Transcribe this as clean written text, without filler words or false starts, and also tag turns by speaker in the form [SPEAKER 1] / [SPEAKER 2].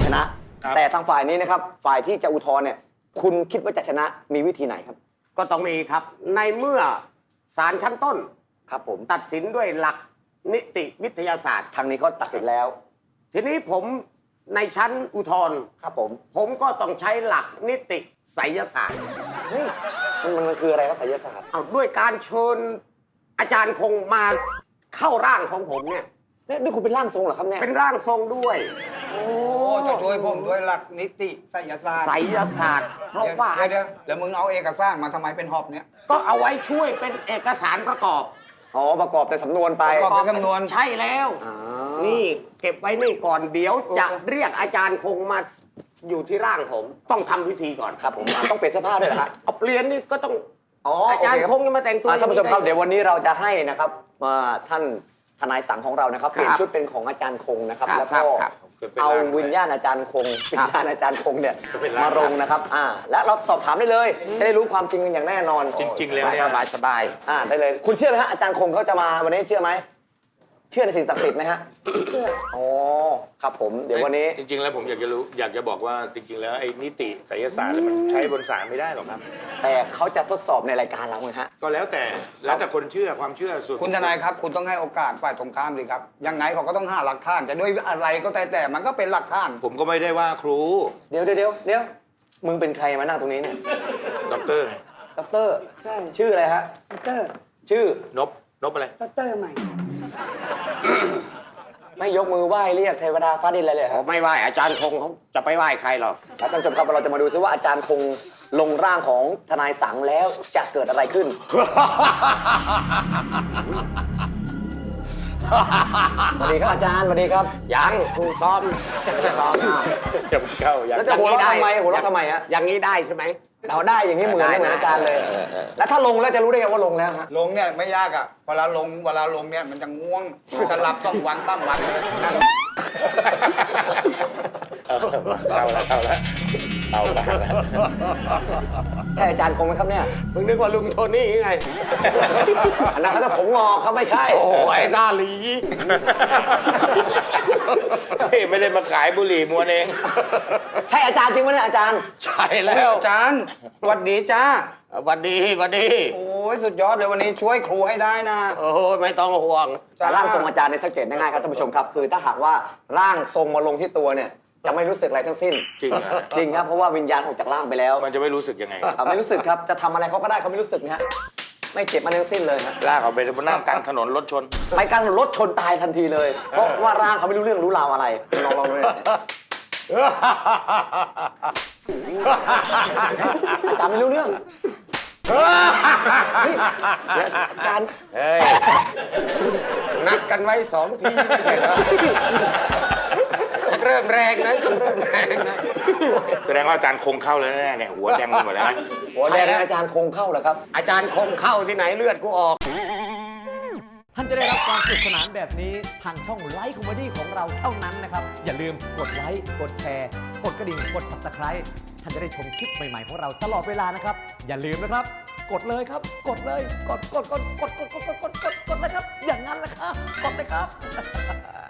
[SPEAKER 1] ชนะแต่ทางฝ่ายนี้นะครับฝ่ายที่จะอุทธรณ์เนี่ยคุณคิดว่าจะชนะมีวิธีไหนครับ
[SPEAKER 2] ก็ต้องมีครับในเมื่อศาลชั้นต้น
[SPEAKER 1] ครับผม
[SPEAKER 2] ตัดสินด้วยหลักนิติวิทยาศาสตร์
[SPEAKER 1] ทางนี้เขาตัดสินแล้ว
[SPEAKER 2] ทีนี้ผมในชั้นอุทธรณ์
[SPEAKER 1] ครับ
[SPEAKER 2] ผมก็ต้องใช้หลักนิติไสยศาสตร์
[SPEAKER 1] เฮ้ยมันคืออะไรครับไสยศาสตร์
[SPEAKER 2] เอาด้วยการเชิญอาจารย์คงมาเข้าร่างของผมเนี่ย
[SPEAKER 1] นี่คุณเป็นร่างทรงเหรอครับเนี่ย
[SPEAKER 2] เป็นร่างทรงด้วย
[SPEAKER 3] โอ้จะช่วยผมด้วยหลักนิติไสยศาสตร์
[SPEAKER 2] ไสยศาสตร์เพราะว่า
[SPEAKER 3] เดี๋ยวแล้วมึงเอาเอกสารมาทำไมเป็นหอบเนี่ย
[SPEAKER 2] ก็เอาไว้ช่วยเป็นเอกสารประกอบ
[SPEAKER 1] ประกอบในสำนวนไป
[SPEAKER 3] ประกอบในสำนวน
[SPEAKER 2] ใช่แล้วนี่เก็บไว้นี่ก่อนเดี๋ยวจะเรียกอาจารย์คงมาอยู่ที่ร่างผมต้องทำพิธีก่อน
[SPEAKER 1] ครับผมต้องเปลี่ยนเสื้อผ้าด้วยเหรอฮะ
[SPEAKER 2] เอาเปลี่ยนนี่ก็ต้องอาจารย์คงจะมาแต่งตัว
[SPEAKER 1] ท่านผู้ชมครับเดี๋ยววันนี้เราจะให้นะครับท่านทนายสังของเรานะครับเปลี่ยนชุดเป็นของอาจารย์คงนะครับแล้วก็เอาวิญญาณอาจารย์คงวิญญาณอาจารย์คงเนี่ยมาลงนะครับและเราสอบถามได้เลยจะได้รู้ความจริงกันอย่างแน่นอน
[SPEAKER 4] จริงๆแล้วเนี่ย
[SPEAKER 2] สบาย
[SPEAKER 1] ได้เลยคุณเชื่อไหมฮะอาจารย์คงเขาจะมาวันนี้เชื่อไหมเชื่อในสิ่งศักดิ์สิทธิ์ไหมฮะเชื่อครับผมเดี๋ยววันนี้
[SPEAKER 4] จริงๆแล้วผมอยากจะบอกว่าจริงๆแล้วไอ้นิติไสยศาสตร์มันใช้บนศาลไม่ได้หรอกครับ
[SPEAKER 1] แต่เขาจะทดสอบในรายการเราไงฮะ
[SPEAKER 4] ก็แล้วแต่คนเชื่อความเชื่อส่วน
[SPEAKER 3] คุณทนายครับคุณต้องให้โอกาสฝ่ายตรงข้ามดีครับยังไงเขาก็ต้องหาหลักฐานจะด้วยอะไรก็แต่มันก็เป็นหลักฐาน
[SPEAKER 4] ผมก็ไม่ได้ว่าครู
[SPEAKER 1] เดี๋ยวมึงเป็นใครมานั่งตรงนี้เนี่ย
[SPEAKER 4] ด็อกเตอร์
[SPEAKER 1] ใช่ชื่ออะไรฮะ
[SPEAKER 5] ด็อกเตอร์
[SPEAKER 1] ชื่อน
[SPEAKER 4] บอะไร
[SPEAKER 5] ด็อกเตอร์ใหม่
[SPEAKER 1] ไม่ยกมือไหว้เรียกเทวดาฟ้าดินอะไรเลย
[SPEAKER 2] ไม่ไหว้อาจารย์คงเขาจะไปไหว้ใครหรอก
[SPEAKER 1] ท่านผู้ชมครับเราจะมาดูซิว่าอาจารย์คงลงร่างของทนายสังแล้วจะเกิดอะไรขึ้นสวัสดีครับอาจารย์สวัสดีครับ
[SPEAKER 2] ยังครูซ้อม
[SPEAKER 4] ยังเข้า
[SPEAKER 1] แล้วจะหัวเราะทำไมฮะ
[SPEAKER 2] อย่างนี้ได้ใช่ไหม
[SPEAKER 1] เราได้อย่างนี้เหมือนอาจารย์เลยแล้วถ้าลงแล้วจะรู้ได้ไงว่าลงแล้วฮะ
[SPEAKER 3] ลงเนี่ยไม่ยากอ่ะเวลาลงเนี่ยมันจะง่วงจะหลับ2 วัน3 วันนั่น
[SPEAKER 4] เข้าแล้ว
[SPEAKER 1] ใช่อาจารย์คงไหมครับเนี่ย
[SPEAKER 2] มึงนึกว่าลุงโทนี่ไง
[SPEAKER 1] อันนั้นก็ผมงอกครับไม่ใช่
[SPEAKER 2] โอ้ยหน้าหลี
[SPEAKER 4] ไม่ได้มาขายบุหรี่มวนเอง
[SPEAKER 1] ใช่อาจารย์จริงไหมเนี่ยอาจารย์
[SPEAKER 2] ใช่แล้ว
[SPEAKER 3] อาจารย์หวัดดีจ้า
[SPEAKER 2] หวัดดี
[SPEAKER 3] โอ้ยสุดยอดเลยวันนี้ช่วยครูให้ได้นะ
[SPEAKER 2] โอ้ยไม่ต้องห่วง
[SPEAKER 1] ร่างทรงอาจารย์ในสังเกตง่ายๆครับท่านผู้ชมครับคือถ้าหากว่าร่างทรงมาลงที่ตัวเนี่ยจะไม่รู้สึกอะไรทั้งสิ้น
[SPEAKER 4] จริง
[SPEAKER 1] ครับเพราะว่าวิญญาณออกจากร่างไปแล้ว
[SPEAKER 4] มันจะไม่รู้สึกยังไง
[SPEAKER 1] ไม่รู้สึกครับจะทำอะไรเขาก็ได้เขาไม่รู้สึกนะฮะไม่เจ็บมาทั้งสิ้นเลยฮะ
[SPEAKER 4] ลากเอาไปบนหน้ากลางถนนรถชน
[SPEAKER 1] ไปกลางรถชนตายทันทีเลยเพราะว่าร่างเขาไม่รู้เรื่องรู้ราวอะไรลองเลยอาจารย์ไม่รู้เรื่องการ
[SPEAKER 2] นัดกันไว้2 ทีไม่ใช่เหรอฉันเริ่มแรงนะ
[SPEAKER 4] แสดงว่าอาจารย์คงเข้าแล้วแน่เนี่ยหัวแดงหมดแล้ว
[SPEAKER 1] หัวแดงอาจารย์คงเข้าเหรอครับ
[SPEAKER 2] อาจารย์คงเข้าที่ไหนเลือดกูออก
[SPEAKER 6] ท่านจะได้รับความสนุกสนานแบบนี้ทางช่องไลฟ์คอมเมดี้ของเราเท่านั้นนะครับอย่าลืมกดไลค์กดแชร์กดกระดิ่งกด Subscribe ท่านจะได้ชมคลิปใหม่ๆของเราตลอดเวลานะครับอย่าลืมนะครับกดเลยครับกดเลยกดเลยครับอย่างนั้นแหละครับกดเลยครับ